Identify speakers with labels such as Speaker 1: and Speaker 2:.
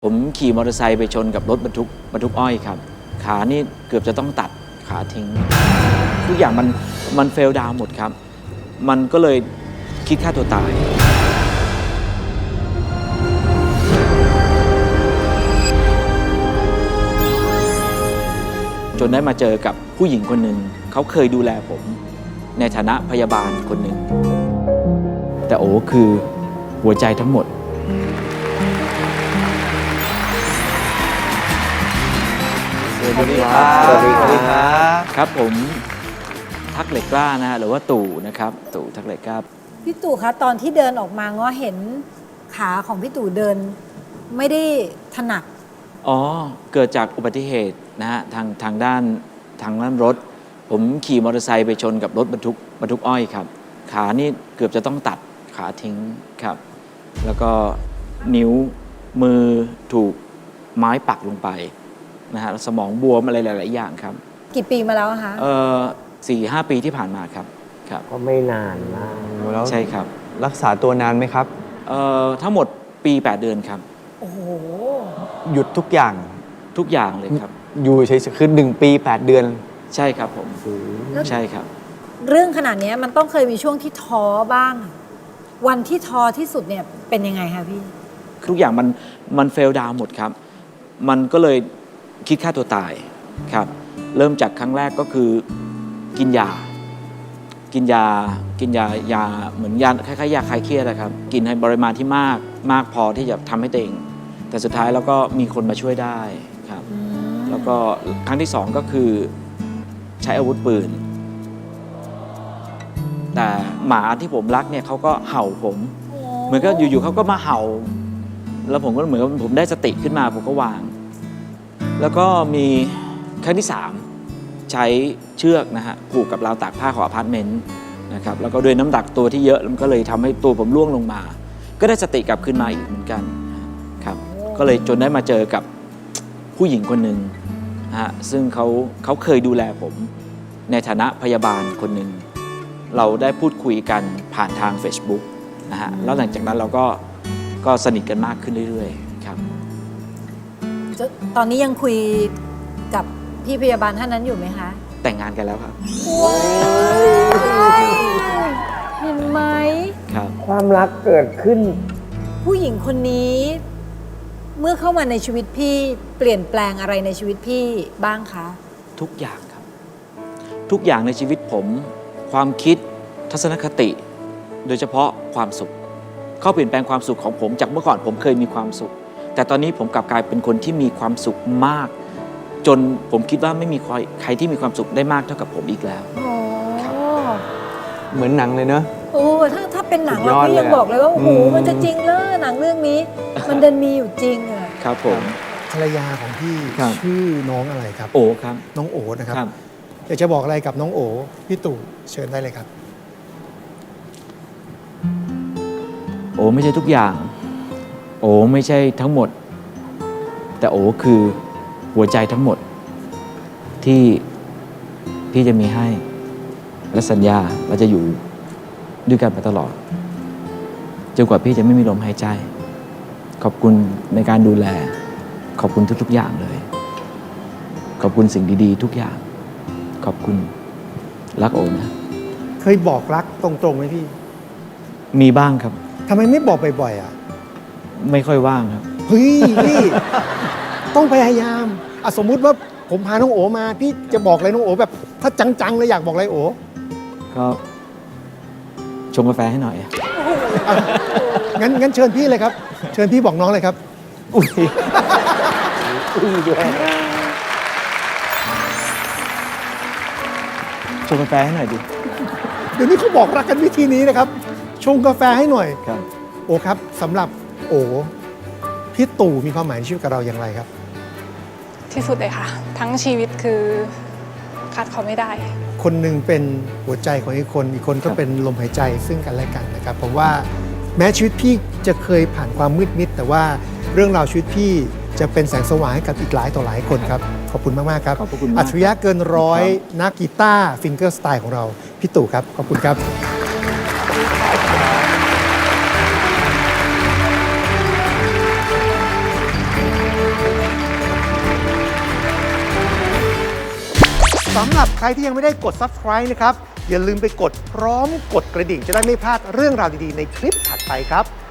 Speaker 1: ผมขี่มอเตอร์ไซค์ไปชนกับรถบรรทุกอ้อยครับขานี่เกือบจะต้องตัดขาทิ้งทุกอย่างมันเฟลดาวหมดครับมันก็เลยคิดฆ่าตัวตายจนได้มาเจอกับผู้หญิงคนหนึ่งเขาเคยดูแลผมในฐานะพยาบาลคนหนึ่งแต่โอ้คือหัวใจทั้งหมด
Speaker 2: สวัสดีครับสวัสดีครับ
Speaker 1: ครับผมทักเหล็กกล้านะฮะหรือว่าตู่นะครับตู่ทักเหล็กกล้า
Speaker 3: พี่ตู่คะตอนที่เดินออกมาง้อเห็นขาของพี่ตู่เดินไม่ได้ถนัด
Speaker 1: อ๋อเกิดจากอุบัติเหตุนะฮะทางด้านรถผมขี่มอเตอร์ไซค์ไปชนกับรถบรรทุกอ้อยครับขานี่เกือบจะต้องตัดขาทิ้งครับแล้วก็นิ้วมือถูกไม้ปักลงไปนะฮะสมองบวมอะไรหลายๆอย่างครับ
Speaker 3: กี่ปีมาแล้วคะ
Speaker 1: 4-5 ปีที่ผ่านมาครับ
Speaker 2: ก็ไม่นานมากแล้ว
Speaker 1: ใช่ครับ
Speaker 2: รักษาตัวนานไหมครับ
Speaker 1: ทั้งหมดปี8 เดือนครับ
Speaker 3: โอ้โห
Speaker 2: หยุดทุกอย่าง
Speaker 1: เลยครับ
Speaker 2: อยู่เฉยๆคือ1 ปี 8 เดือน
Speaker 1: ใช่ครับผมใช่ครับ
Speaker 3: เรื่องขนาดนี้มันต้องเคยมีช่วงที่ท้อบ้างวันที่ท้อที่สุดเนี่ยเป็นยังไงคะพี่
Speaker 1: ทุกอย่างมันเฟลดาวหมดครับมันก็เลยคิดฆ่าตัวตายครับเริ่มจากครั้งแรกก็คือกินยาเหมือนยาคล้ายๆยาคลายเครียดนะครับกินให้ปริมาณที่มากพอที่จะทำให้ตัวเองแต่สุดท้ายแล้วก็มีคนมาช่วยได้ครับแล้วก็ครั้งที่2ก็คือใช้อาวุธปืนแต่หมาที่ผมรักเนี่ยเขาก็เห่าผมเหมือนก็อยู่ๆเขาก็มาเห่าแล้วผมก็เหมือนผมได้สติขึ้นมาผมก็วางแล้วก็มีครั้งที่3ใช้เชือกนะฮะผูกกับราวตากผ้าของอพาร์ตเมนต์นะครับแล้วก็ด้วยน้ำหนักตัวที่เยอะมันก็เลยทำให้ตัวผมร่วงลงมาก็ได้สติกลับขึ้นมาอีกเหมือนกันครับก็เลยจนได้มาเจอกับผู้หญิงคนหนึ่งฮะซึ่งเขาเคยดูแลผมในฐานะพยาบาลคนหนึ่งเราได้พูดคุยกันผ่านทาง Facebook นะฮะแล้วหลังจากนั้นเราก็สนิทกันมากขึ้นเรื่อยๆครับ
Speaker 3: ตอนนี้ยังคุยกับพี่พยาบาลท่านนั้นอยู่ไหมคะ
Speaker 1: แต่งงานกันแล้วครับ
Speaker 3: เห็นไหม
Speaker 1: ครับ
Speaker 2: ความรักเกิดขึ้น
Speaker 3: ผู้หญิงคนนี้เมื่อเข้ามาในชีวิตพี่เปลี่ยนแปลงอะไรในชีวิตพี่บ้างคะ
Speaker 1: ทุกอย่างครับทุกอย่างในชีวิตผมความคิดทัศนคติโดยเฉพาะความสุขเขาเปลี่ยนแปลงความสุขของผมจากเมื่อก่อนผมเคยมีความสุขแต่ตอนนี้ผมกลับกลายเป็นคนที่มีความสุขมากจนผมคิดว่าไม่มีใครที่มีความสุขได้มากเท่ากับผมอีกแล้ว
Speaker 2: เหมือนหนังเลยเนอะ
Speaker 3: โอ้ถ้าเป็นหนังเราพี่ยังบอกเลยว่าโอ้โหมันจะจริงเลยหนังเรื่องนี้มันเดินมีอยู่จริงอะ
Speaker 1: ครับผม
Speaker 4: ภรรยาของพี่ชื่อน้องอะไรครับ
Speaker 1: โอครับ
Speaker 4: น้องโอนะครับอยากจะบอกอะไรกับน้องโอพี่ตู่เชิญได้เลยครับ
Speaker 1: โอไม่ใช่ทุกอย่างโอไม่ใช่ทั้งหมดแต่โอคือหัวใจทั้งหมดที่พี่จะมีให้และสัญญาเราจะอยู่ด้วยกันไปตลอดจนกว่าพี่จะไม่มีลมหายใจขอบคุณในการดูแลขอบคุณทุกๆอย่างเลยขอบคุณสิ่งดีๆทุกอย่างขอบคุณรักโอนะ
Speaker 4: เคยบอกรักตรงๆไหมพี่
Speaker 1: มีบ้างครับ
Speaker 4: ทำไมไม่บอกบ่อยๆอ่ะ
Speaker 1: ไม่ค่อยว่างครับ
Speaker 4: เฮ้ยพี่ต้องพยายามสมมุติว่าผมพาน้องโอมาพี่จะบอกอะไรน้องโอแบบถ้าจังๆเลยอยากบอกอะไรโอ
Speaker 1: ก็ชงกาแฟให้หน่อย
Speaker 4: งั้นเชิญพี่เลยครับเชิญพี่บอกน้องเลยครับอุ้ย
Speaker 1: ด้วยชงกาแฟให้หน่อยดิ
Speaker 4: เดี๋ยวนี้เขาบอกรักกันวิธีนี้นะครับชงกาแฟให้หน่อย
Speaker 1: ครับ
Speaker 4: โอครับสำหรับโอพี่ตู่มีความหมายในชีวิตกับเราอย่างไรครับ
Speaker 5: ที่สุดเลยค่ะทั้งชีวิตคือขาดเขาไม่ได้
Speaker 4: คนหนึ่งเป็นหัวใจของอีกคนก็เป็นลมหายใจซึ่งกันและกันนะครับผมว่าแม้ชีวิตพี่จะเคยผ่านความมืดมิดแต่ว่าเรื่องราวชีวิตพี่จะเป็นแสงสว่างให้กับอีกหลายต่อหลายคนครับขอบคุณมากๆครับ
Speaker 1: ขอบคุณ
Speaker 4: อัจฉริยะเกินร้อยนักกีตาร์ฟิงเกอร์สไตล์ของเราพี่ตู่ครับขอบคุณครับสำหรับใครที่ยังไม่ได้กด subscribe นะครับ อย่าลืมไปกดพร้อมกดกระดิ่งจะได้ไม่พลาดเรื่องราวดีๆในคลิปถัดไปครับ